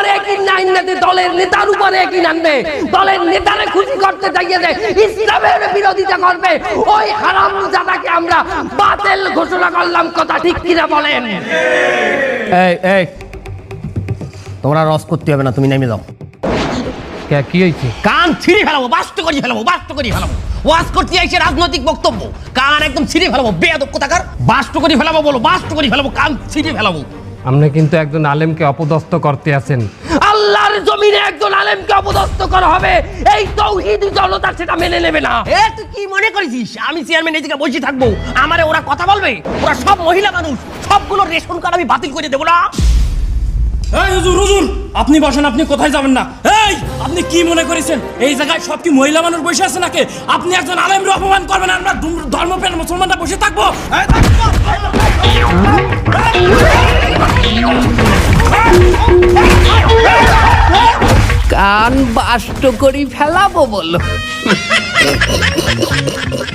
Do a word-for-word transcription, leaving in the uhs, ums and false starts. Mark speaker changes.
Speaker 1: উপরে একই আইনাতে দলের নেতার উপরে একই আনবে, দলের নেতারে খুশি করতে চাইয়ে দেয়, ইসলামের বিরোধিতা করবে, ওই হারামজাদাকে আমরা বাতিল ঘোষণা করলাম। কথা ঠিক কিনা বলেন?
Speaker 2: এই এই তোমরা রস করতে হবে না, তুমি নেমে যাও।
Speaker 3: কে কি হয়েছে?
Speaker 2: কান ছিঁড়ে ফেলাবো, বাস্ত করে ফেলাবো, বাস্ত করে ফেলাবো। ওয়াজ করতে আইছে রাজনৈতিক বক্তব্য, কান একদম ছিঁড়ে ফেলাবো। বেয়াদব কোথাকার, বাস্ত করে ফেলাবো বলো, বাস্ত করে ফেলাবো, কান ছিঁড়ে ফেলাবো।
Speaker 3: আপনি কিন্তু একজন আলেমকে অপদস্থ করতে আছেন।
Speaker 1: আল্লাহর জমিনে একজন আলেমকে অপদস্থ করা হবে, এই তাওহীদি জনতা সেটা মেনে নেবে না।
Speaker 2: এ তুই কি মনে করেছিস আমি চেয়ারম্যান এদিকে বসে থাকবো, আমারে ওরা কথা বলবে? ওরা সব মহিলা মানুষ, সবগুলো রেশন কার্ড আমি বাতিল করে দেবো না।
Speaker 4: এই হুজুর হুজুর আপনি বসেন, আপনি কোথায় যাবেন না? এই আপনি কি মনে করেছেন এই জায়গায় সব কি মহিলা মানুষ বসে আছে নাকি? আপনি একজন আলেমকে অপমান করবেন, আমরা ধর্মপ্রাণ মুসলমানরা বসে থাকবো?
Speaker 1: কান বাষ্ট করি ফেলাবো বলো।